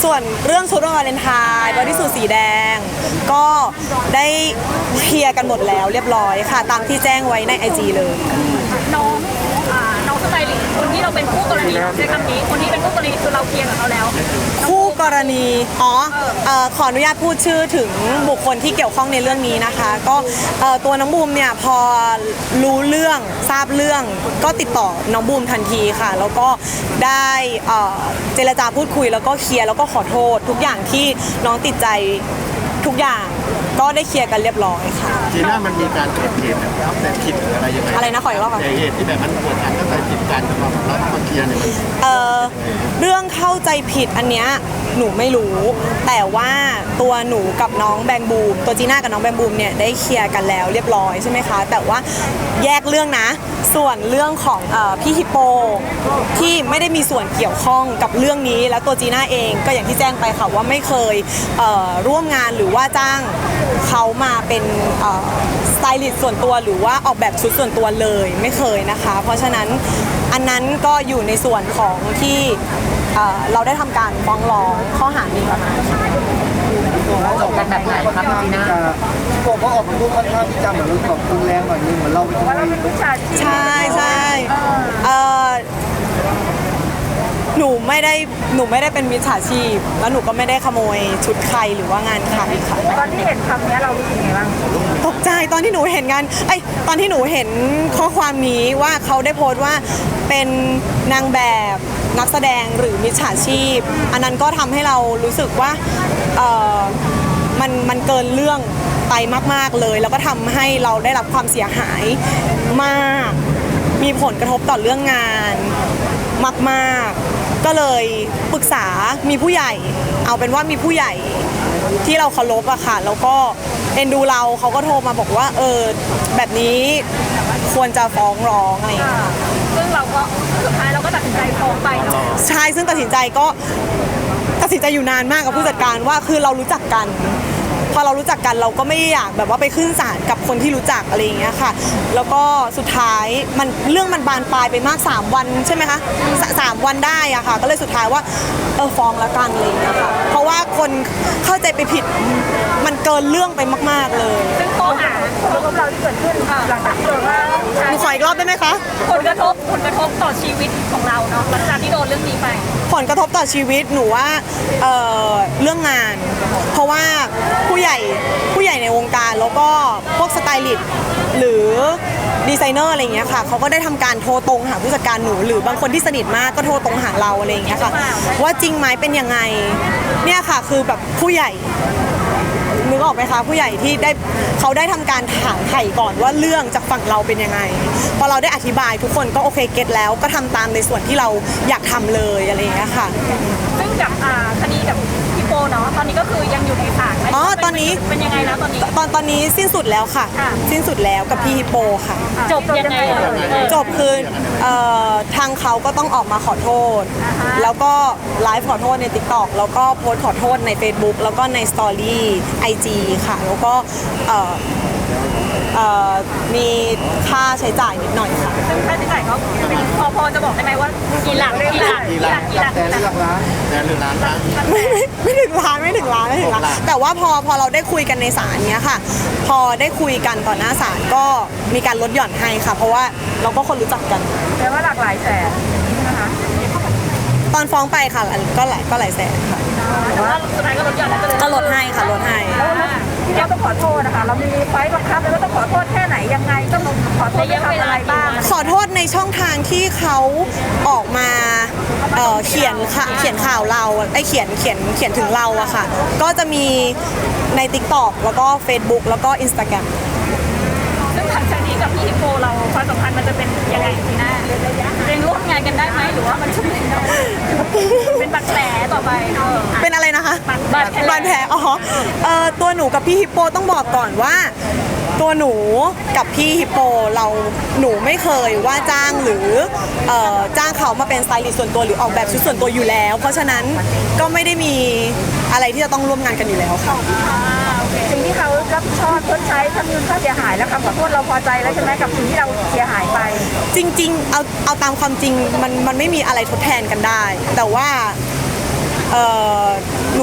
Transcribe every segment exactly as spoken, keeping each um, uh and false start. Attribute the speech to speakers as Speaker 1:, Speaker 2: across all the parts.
Speaker 1: ส่วนเรื่องชุดวันวาเลนไทน์บอดี้สูทสีแดงก็ได้เคลียร์กันหมดแล้วเรียบร้อยค่ะตามที่แจ้งไว้ใน ไอ จี เลย
Speaker 2: น้องอ่าน้องสไตลิสต์คนที่เราเป็นคู่กรณีใช้คำนี้คนที่เป็นคู่กรณีคือเราเคลียร์กับเขาแล้ว
Speaker 1: คู่กรณีอ๋อเอ่อขออนุญาตพูดชื่อถึงบุคคลที่เกี่ยวข้องในเรื่องนี้นะคะก็เอ่อตัวน้องบูมเนี่ยพอรู้เรื่องทราบเรื่องก็ติดต่อน้องบูมทันทีค่ะแล้วก็ได้เอ่อเจรจาพูดคุยแล้วก็เคลียร์แล้วก็ขอโทษทุกอย่างที่น้องติดใจทุกอย่างก็ได้เคลียร์กันเรียบร้อยค่ะ
Speaker 3: จีน่ามันมีการเกิดเหตุแบบเข้าใจผิดหรืออะไรยังไง
Speaker 1: อะไรนะขออีกรอบค่ะ
Speaker 3: เหตุที่แบบมันเกิดการเข้าใจผิดกันแล้วเราต้องมาเคลียร์เนี่ย
Speaker 1: เอ่อเรื่องเข้าใจผิดอันเนี้ยหนูไม่รู้แต่ว่าตัวหนูกับน้องแบงบูมตัวจีน่ากับน้องแบงบูมเนี่ยได้เคลียร์กันแล้วเรียบร้อยใช่ไหมคะแต่ว่าแยกเรื่องนะส่วนเรื่องของเอ่อพี่ฮิปโปที่ไม่ได้มีส่วนเกี่ยวข้องกับเรื่องนี้แล้วตัวจีน่าเองก็อย่างที่แจ้งไปค่ะว่าไม่เคยเอ่อร่วมงานหรือว่าจ้างเขามาเป็นสไตลิสต์ส่วนตัวหรือว่าออกแบบชุดส่วนตัวเลยไม่เคยนะคะเพราะฉะนั้นอันนั้นก็อยู่ในส่วนของที่เอ่อเราได้ทำการฟ้องร้องข้อหาหมิ่นประมาท
Speaker 4: จบกันแบบไหนครับจีน่า
Speaker 5: ผมก็ออกมาพูดค่อนข้างที่จะเหมือนแบบรุนแรงหน่อยนึงเหมือนเราเป็นคน
Speaker 2: เราเป็นผู้ชาย
Speaker 1: ใช่ใช่เอ่อหนูไม่ได้หนูไม่ได้เป็นมิจฉาชีพแล้วหนูก็ไม่ได้ขโมยชุดใครหรือว่างานใครค่ะ
Speaker 2: ตอนที่เห็นคำนี้เรารู้สึกไงบ้าง
Speaker 1: ตกใจตอนที่หนูเห็นงานไอ้ตอนที่หนูเห็นข้อความนี้ว่าเขาได้โพสต์ว่าเป็นนางแบบนักแสดงหรือมิจฉาชีพอันนั้นก็ทำให้เรารู้สึกว่าเออมันมันเกินเรื่องไปมากๆเลยแล้วก็ทำให้เราได้รับความเสียหายมากมีผลกระทบต่อเรื่องงานมากๆก็เลยปรึกษามีผู้ใหญ่เอาเป็นว่ามีผู้ใหญ่ที่เราเคารพอะค่ะแล้วก็เอ็นดูเราเขาก็โทรมาบอกว่าเออแบบนี้ควรจะฟ้องร้องอะไรอย่างเงี้ย
Speaker 2: ซึ่งเราก็สุดท้ายเราก็ตัดสินใจฟ้องไปเนาะ
Speaker 1: ใช่ซึ่งตัดสินใจก็ตัดสินใจอยู่นานมากกับผู้จัดการว่าคือเรารู้จักกันพอเรารู้จักกันเราก็ไม่อยากแบบว่าไปขึ้นศาลกับคนที่รู้จักอะไรอย่างเงี้ยค่ะแล้วก็สุดท้ายมันเรื่องมันบานปลายไปมากสามวันใช่ไหมคะสามวันได้อะค่ะก็เลยสุดท้ายว่าเออฟ้องแล้วกันอะไรอย่างเงี้ยค่ะเพราะว่าคนเข้าใจไปผิดมันเกินเรื่องไปมากๆเลย
Speaker 2: ซึ่งข้อหาของเราที่เกิดขึ้นหลังจากที่โดนว่า
Speaker 1: หนูขออีกรอบได้ไหมคะ
Speaker 2: ผลกระทบผลกระทบต่อชีวิตของเราเนาะหลังจากที่โดนเรื่องนี้ไป
Speaker 1: ผลกระทบต่อชีวิตหนูว่าเอ่อเรื่องงานเพราะว่าผู้ใหญ่ผู้ใหญ่ในวงการแล้วก็พวกสไตลิสต์หรือดีไซเนอร์อะไรอย่างเงี้ยค่ะเขาก็ได้ทำการโทรตรงหาผู้จัดการหนูหรือบางคนที่สนิทมากก็โทรตรงหาเราอะไรอย่างเงี้ยค่ะว่าจริงไหมเป็นยังไงเนี่ยค่ะคือแบบผู้ใหญ่นึกออกไหมคะผู้ใหญ่ที่ได้เขาได้ทำการถามไถ่ก่อนว่าเรื่องจากฝั่งเราเป็นยังไงพอเราได้อธิบายทุกคนก็โอเคเก็ตแล้วก็ทำตามในส่วนที่เราอยากทำเลยอะไรอย่างเงี้ยค่ะ
Speaker 2: ซึ่งกับคดีกับพี่โปเนาะตอนนี้ก็คือยังอยู่ในศาล
Speaker 1: อ๋อตอนนี้
Speaker 2: เป็นยังไงนะตอนนี้
Speaker 1: ตอนตอนนี้สิ้นสุดแล้วค่ะสิ้นสุดแล้วกับพี่ฮิปโปค่ะ
Speaker 2: จบยังไง
Speaker 1: จบคือทางเขาก็ต้องออกมาขอโทษแล้วก็ไลฟ์ขอโทษใน ติ๊กต็อก แล้วก็โพสต์ขอโทษใน เฟซบุ๊ก แล้วก็ในสตอรี่ ไอ จี ค่ะแล้วก็มีค่าใช้จ่ายนิดหน่อยค่ะ
Speaker 2: ค่าใช้จ่ายเขาพอพอจะบอกได้ไหมว่ากี่หลักกี่หลักกี่หลักกี่หลัก
Speaker 5: แต่เรื่องล้าน
Speaker 3: แต่หรือล้านล้าน
Speaker 1: ไม่ไม่ถึงล้านไม่ถึงล้านไม่ถึงล้านแต่ว่าพอพอเราได้คุยกันในศาลเนี้ยค่ะพอได้คุยกันต่อหน้าศาลก็มีการลดหย่อนให้ค่ะเพราะว่าเราก็คนรู้จักกัน
Speaker 2: แปลว่าหลากหลายแสนนะคะ
Speaker 1: ตอนฟ้องไปค่ะก็หลายก็หลายแสนค่ะ
Speaker 2: แต่ว่าสุดท้ายก็ลดหย่อน
Speaker 1: ก็ลดให้ค่ะลดให้
Speaker 2: เราต้องขอโทษนะคะเรามีไฟล์บังคับแล้วต้องขอโทษแค่ไหนยังไงต้องขอโทษทำอะไรบ้าง
Speaker 1: ขอโทษในช่องทางที่เขาออกมาเเขียนค่ะเขียนข่าวเราไอเขียนเขียนเขียนถึงเราอะค่ะก็จะมีใน ติ๊กต็อก แล้วก็ เฟซบุ๊ก แล้วก็ อินสตาแกรม
Speaker 2: ซึ่งหลังจากนี้กับพี่ฮิปโปเราความสัมพันธ์มันจะเป็นยังไงทีหน้าเป็นร่วมงานกันได้ไหมหรือว่ามันจะเป็นเป็นบาดแผลต่อไป
Speaker 1: เป็นอะไรนะคะ
Speaker 2: บาดแผล
Speaker 1: บาดแผลอ๋อเอ่อตัวหนูกับพี่ฮิปโปต้องบอกก่อนว่าตัวหนูกับพี่ฮิปโปเราหนูไม่เคยว่าจ้างหรือเอ่อจ้างเขามาเป็นสไตลิสต์ส่วนตัวหรือออกแบบชุดส่วนตัวอยู่แล้ว เพราะฉะนั้นก็ไม่ได้มีอะไรที่จะต้องร่วมงานกันอยู่แล้วค่ะ
Speaker 2: สิ่งที่เขารับผิดชอบชดใช้ทำเงินค่าเสียหายแล้วคำขอโทษเราพอใจแล้วใช่ไหมกับสิ่งที่เราเสียหายไป
Speaker 1: จริงๆเอาเอาตามความจริงมันมันไม่มีอะไรทดแทนกันได้แต่ว่าเอ่อ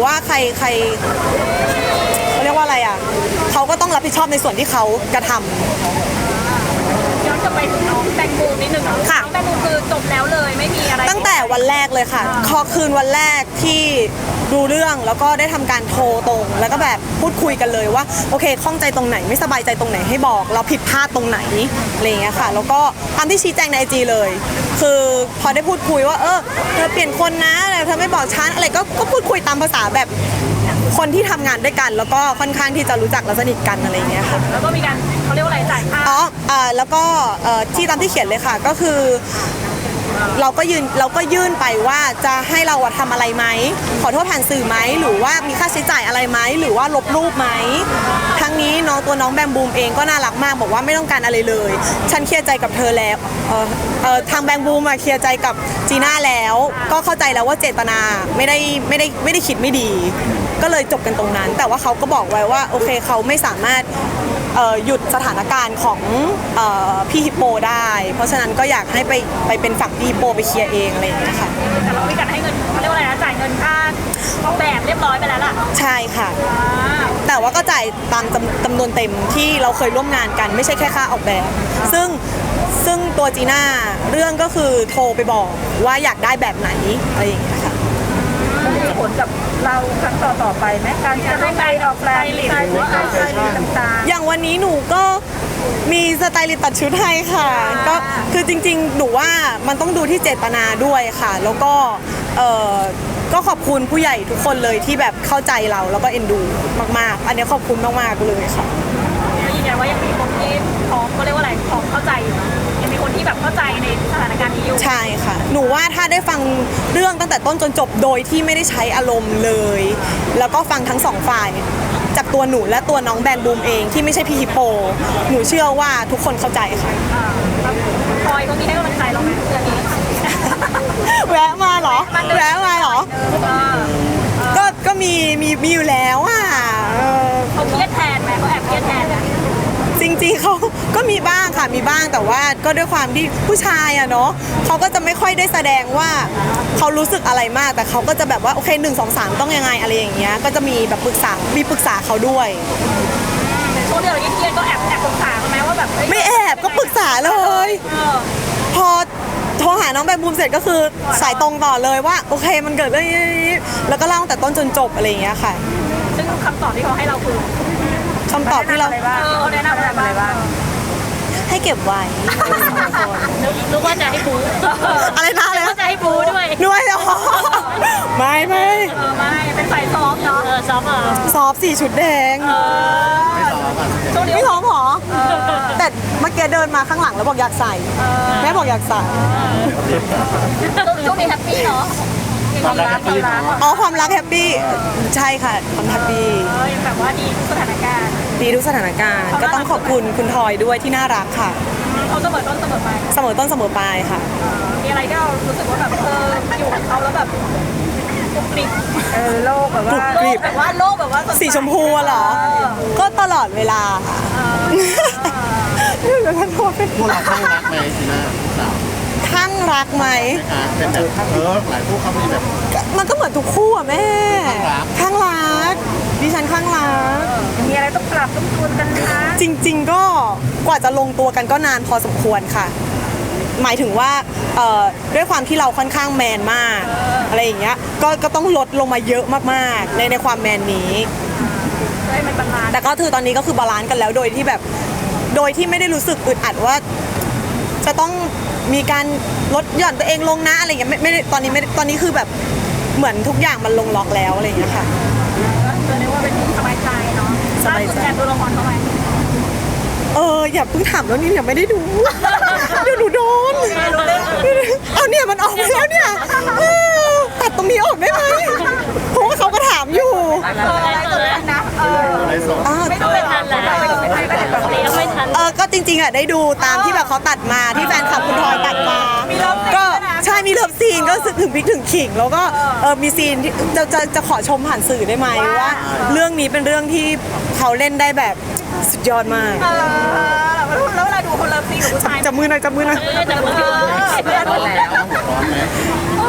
Speaker 1: ว่าใครใครเขาเรียกว่าอะไรอ่ะเขาก็ต้องรับผิดชอบในส่วนที่เขากระทำ
Speaker 2: ย้อนกลับไปถึงน้องแตงโมนิดนึงเนาะ
Speaker 1: ค่ะ
Speaker 2: น้องแตงโมคือจบแล้วเลยไม่มีอะไร
Speaker 1: ตั้งแต่วันแรกเลยค่ะพอคืนวันแรกที่ดูเรื่องแล้วก็ได้ทำการโทรตรง แล้วก็แบบพูดคุยกันเลยว่าโอเคข้องใจตรงไหนไม่สบายใจตรงไหนให้บอก เราผิดพลาดตรงไหนอะไรอย่างเงี้ยค่ะ แล้วก็ตามที่ชี้แจงในไอจีเลย คือพอได้พูดคุยว่าเออเธอเปลี่ยนคนนะอะไรเธอไม่บอกฉันอะไรก็ก็พูดคุยตามภาษาแบบคนที่ทำงานด้วยกัน แล้วก็ค่อนข้างที่จะรู้จักและสนิทกันอะไรอย่างเงี้ยค่ะ
Speaker 2: แล้วก็มีการเขาเรียกว่าอะไรจ่ายค่า
Speaker 1: อ๋ออ่าแล้วก็เอ่อที่ตามที่เขียนเลยค่ะก็คือเราก็ยืนเราก็ยื่นไปว่าจะให้เราอะทำอะไรไหมขอโทษผ่านสื่อไหมหรือว่ามีค่าใช้จ่ายอะไรไหมหรือว่าลบรูปไหมทั้งนี้น้องตัวน้องแบมบูมเองก็น่ารักมากบอกว่าไม่ต้องการอะไรเลย ฉันเคลียร์ใจกับเธอแล้วเอ่อเอ่อทางแบมบูมอะเคลียร์ใจกับจีน่าแล้ว ก็เข้าใจแล้วว่าเจตนาไม่ได้ไม่ได้ไม่ได้คิดไม่ดี ก็เลยจบกันตรงนั้น แต่ว่าเขาก็บอกไว้ว่าโอเคเขาไม่สามารถเอ่อหยุดสถานการณ์ของเอ่อพี่ฮิปโปได้ เพราะฉะนั้นก็อยากให้ไปไปเป็นฝั่งพี่ฮิปโปไปเคลียร์เองอะไรอย่างเงี้ยค่ะ
Speaker 2: แต่เรามีการให้เงินเขาเรียกว่าอะไรนะจ่ายเงินค่าออกแบบเรียบร้อยไปแล้วล่ะ
Speaker 1: ใช่ค่ะ
Speaker 2: อ่า
Speaker 1: แต่ว่าก็จ่ายตามจำจำนวนเต็มที่เราเคยร่วมงานกันไม่ใช่แค่ค่าออกแบบ ซึ่งซึ่งตัวจีน่าเรื่องก็คือโทรไปบอกว่าอยากได้แบบไหนอะไรอย่างเงี้ยค่ะ
Speaker 2: มีผลกับเราครั้งต่อต่อไปไหมการจะต้องไปออกแรงดีหรือว่าการต่าง
Speaker 1: อย่างวันนี้หนูก็มีสไตลิสต์ตัดชุดให้ค่ะ ก็คือจริงๆ หนูว่ามันต้องดูที่เจตนาด้วยค่ะ แล้วก็เออก็ขอบคุณผู้ใหญ่ทุกคนเลยที่แบบเข้าใจเราแล้วก็เอ็นดูมากๆ อันนี้ขอบคุณมากๆเลยค่ะ
Speaker 2: ๆก็ยืนยันว่ายังมีคนที่พร้อมก็เรียกว่าอะไรพร้อมเข้าใจอยู่นะยังมีคนที่แบบเข้าใจในสถานการณ์นี้อยู่
Speaker 1: ใช่ค่ะ หนูว่าถ้าได้ฟังเรื่องตั้งแต่ต้นจนจบโดยที่ไม่ได้ใช้อารมณ์เลย แล้วก็ฟังทั้งสองฝ่าย จากตัวหนูและตัวน้องแบนบูมเองที่ไม่ใช่พี่ฮิปโป หนูเชื่อว่าทุกคนเข้าใจค่ะ
Speaker 2: อ่าแล้วพลอยเขามีให้กำลังใจเราไหมเรื่องนี้
Speaker 1: แวะมาเหรอ แวะมาเหรอ
Speaker 2: เออ
Speaker 1: ก็ก็มีมีมีอยู่แล้วอ่ะเออ
Speaker 2: เขาเครียดแทนไหมเขาแอบเครียดแทนไหม
Speaker 1: จริงๆเขาก็มีบ้างค่ะมีบ้างแต่ว่าก็ด้วยความที่ผู้ชายอะเนาะเขาก็จะไม่ค่อยได้แสดงว่าเขารู้สึกอะไรมาก แต่เขาก็จะแบบว่าโอเคหนึ่งสองสามต้องยังไงอะไรอย่างเงี้ยก็จะมีแบบปรึกษามีปรึกษาเขาด้วย
Speaker 2: ในช่วงที่เราเครียดๆก็แอบแอบปรึกษาเขาไหมว่าแบบเฮ้ย
Speaker 1: ไม่แอบก็ปรึกษาเลย
Speaker 2: เออ
Speaker 1: พอโทรหาน้องแบมบูมเสร็จก็คือสายตรงต่อเลยว่าโอเคมันเกิดเรื่องนี้แล้วก็เล่าตั้งแต่ต้นจนจบอะไรอย่างเงี้ยค่ะ
Speaker 2: ซึ่งคำตอบที่เขาให้เราคือ
Speaker 1: คำตอบที่เรา
Speaker 2: เออเขาแนะนำอะไรบ้าง
Speaker 1: ให้เก็บไว้
Speaker 2: นึกว่าจะให้บู
Speaker 1: อะไรนะอะไร
Speaker 2: นึก
Speaker 1: นะ
Speaker 2: ว่าจะให้บูด้วย
Speaker 1: ด้วยเหรอไม่ไม่
Speaker 2: เออไม่เป็นสายซอฟต์เนาะเออซอฟต์อ่ะ
Speaker 1: ซอฟสี่ชุดแดง
Speaker 2: เออช่วงนี้
Speaker 1: ไม่ท้องหรอแต่เมื่อกี้เดินมาข้างหลังแล้วบอกอยากใส่แม่บอกอยากใส่
Speaker 2: ช่วงนี้แฮปปี้เนาะมีความรักความรัก
Speaker 1: อ๋อความรักแฮปปี้ใช่ค่ะความแฮปปี้
Speaker 2: เออยังแบบว่าดีทุกสถานการณ์
Speaker 1: ดีทุกสถานการณ์ก็ต้องขอบคุณคุณทอยด้วยที่น่ารักค่ะ
Speaker 2: เขาเสมอต้นเสมอไป
Speaker 1: เสมอต้นเสมอปลายค่ะ
Speaker 2: มีอะไรที่เรารู้สึกว่าแบบเอออยู่กับเขาแล้วแบบกรุบกริบเออโลกแบบว่า
Speaker 1: กรุบกริบ
Speaker 2: แบบว่าโลกแบบว่าดใ
Speaker 1: สีชมพูอะเหรอ ก็ตลอดเวลาค่ะเดี๋ยวท่านโทษเป็น
Speaker 3: พวกเราข้างรักไหมจีน่าสาว
Speaker 1: ข้างรักไหม
Speaker 3: อ่ะเป็นแบบเออหลายคู่เขามีแบบ
Speaker 1: มันก็เหมือนทุกคู่อะแม่
Speaker 3: ข้างรัก
Speaker 1: ข้างรักดิฉันข้างรัก
Speaker 2: มีอะไรต้องปรับต้องจูนกันนะ
Speaker 1: จริง ๆ ก็กว่าจะลงตัวกันก็นานพอสมควรค่ะ หมายถึงว่าเอ่อด้วยความที่เราค่อนข้างแมนมากอะไรอย่างเงี้ยก็ก็ต้องลดลงมาเยอะมากๆในในความแมนนี้
Speaker 2: ให้มันบาลานซ์
Speaker 1: แต่ก็คือตอนนี้ก็คือบาลานซ์กันแล้วโดยที่แบบโดยที่ไม่ได้รู้สึกอึดอัดว่า จะต้องมีการลดหย่อนตัวเองลงนะอะไรอย่างเงี้ยไม่ไม่ได้ตอนนี้ไม่ได้ตอนนี้คือแบบเหมือนทุกอย่างมันลงล็อกแล้วอะไรอย่างเงี้ยค่ะ
Speaker 2: ก็เรียกว่าเป็นสบายใจเนาะ
Speaker 1: สบายใจ
Speaker 2: ล่สุดแอบดูละครเขาไหม
Speaker 1: เอออย่าเพิ่งถามแล้วนี่ยังไม่ได้ดู เดี๋ยวหนูโดนเอาเนี่ยมันออกไปแล้วเนี่ยเออตัดตรงนี้ออกได้ไหมเพราะว่าเขาก็ถามอยู่
Speaker 2: เอออะไรตัวนั้นนะเออ
Speaker 3: อะไรสด
Speaker 1: อ้าว
Speaker 2: ไม่ต้องไปทันแล้วไม่ต้องไปทันไม่ต้องไปทัน
Speaker 1: เออก็จริงๆอ่ะได้ดูตามที่แบบเขาตัดมาที่แฟนคลับคุณทอยตัดมา
Speaker 2: มีเลิฟซีน
Speaker 1: ก็
Speaker 2: ด้วยนะ
Speaker 1: ใช่มีเลิฟซีนก็ถึงพริกถึงขิง แล้วก็เออมีซีนที่จะจะจะขอชมผ่านสื่อได้ไหมว่า เรื่องนี้เป็นเรื่องที่เขาเล่นได้แบบสุดยอดมาก
Speaker 2: เออแล้วเวลาดูคนเลิฟซีนกับผู้ชาย
Speaker 1: จับมือหน่อยจับมือหน่อย
Speaker 2: เออแต่เมื่อกี้เออ
Speaker 3: หัวร้อนไหม
Speaker 2: เออ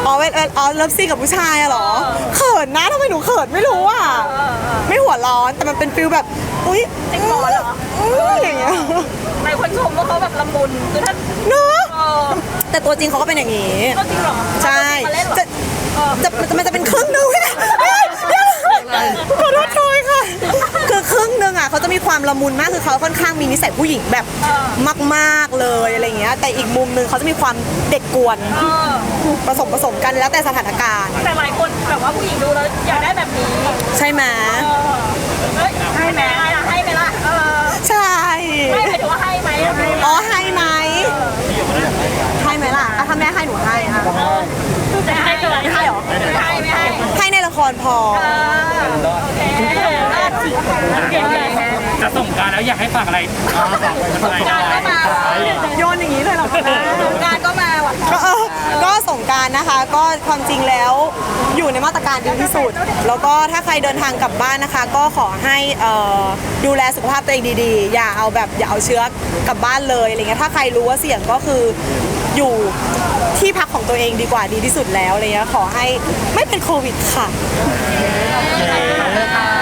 Speaker 1: อ๋อเวเวอ๋อเลิฟซีนกับผู้ชายอะเหรอเขินนะทำไมหนูเขินไม่รู้อ่ะไม่หัวร้อนแต่มันเป็นฟิลแบบอุ้ย
Speaker 2: จริงเหรอเหรอ
Speaker 1: อุ้ยอย่างเงี้ย
Speaker 2: หลายคนชมว่าเขาแบบละมุนคือถ้า
Speaker 1: เนอะ
Speaker 2: เออ
Speaker 1: แต่ตัวจริงเขาก็เป็นอย่างนี้
Speaker 2: ก็จริงเหรอ
Speaker 1: ใช่
Speaker 2: มาเล่นเหรอ
Speaker 1: จะจะมันจะเป็นครึ่งหนึงขอโทษทอยค่ะ คือครึ่งหนึงอ่ะเขาจะมีความละมุนมากคือเขาค่อนข้างมีนิสัยผู้หญิงแบบมากๆเลยอะไรเงี้ยแต่อีกมุมหนึงเขาจะมีความเด็กกวน
Speaker 2: เออ
Speaker 1: ผสมผสมกันแล้วแต่สถานการณ์
Speaker 2: แต่หลายคนแบบว่าผู้หญิงดูแล้วอยากได้แบบนี้
Speaker 1: ใช่ไหม
Speaker 2: เออเอ้ยให้ไหมล่ะให้ไหมล่ะเออ
Speaker 1: ใช่
Speaker 2: ให้หมายถึงว่าให้ไหมให้ไหม
Speaker 1: อ๋อให้ไหมให้ไหมล่ะอ่ะถ้าแม่ให้หนูให้ค่ะ
Speaker 2: จะให้เกินให้หรอไม่ให้ไม่ให้
Speaker 1: ให้ในละครพอ
Speaker 2: เออโอเคเก่งเลย
Speaker 6: จะส่งกรารแล้วอยากให้ฝากอะไร
Speaker 2: การก็มา
Speaker 1: โยนอย่างนี้เลยเหรอคะแม่
Speaker 2: การก็มาว่ะ
Speaker 1: ก็เออก็สงกรารนะคะ ก็ความจริงแล้วอยู่ในมาตรการดีที่สุด แล้วก็ถ้าใครเดินทางกลับบ้านนะคะ ก็ขอให้เอ่อดูแลสุขภาพตัวเองดีๆ อย่าเอาแบบอย่าเอาเชื้อกลับบ้านเลยอะไรเงี้ยถ้าใครรู้ว่าเสี่ยงก็คืออยู่ที่พักของตัวเองดีกว่าดีที่สุดแล้วอะไรเงี้ยขอให้ไม่เป็นโควิดค่ะ
Speaker 4: ค่ะ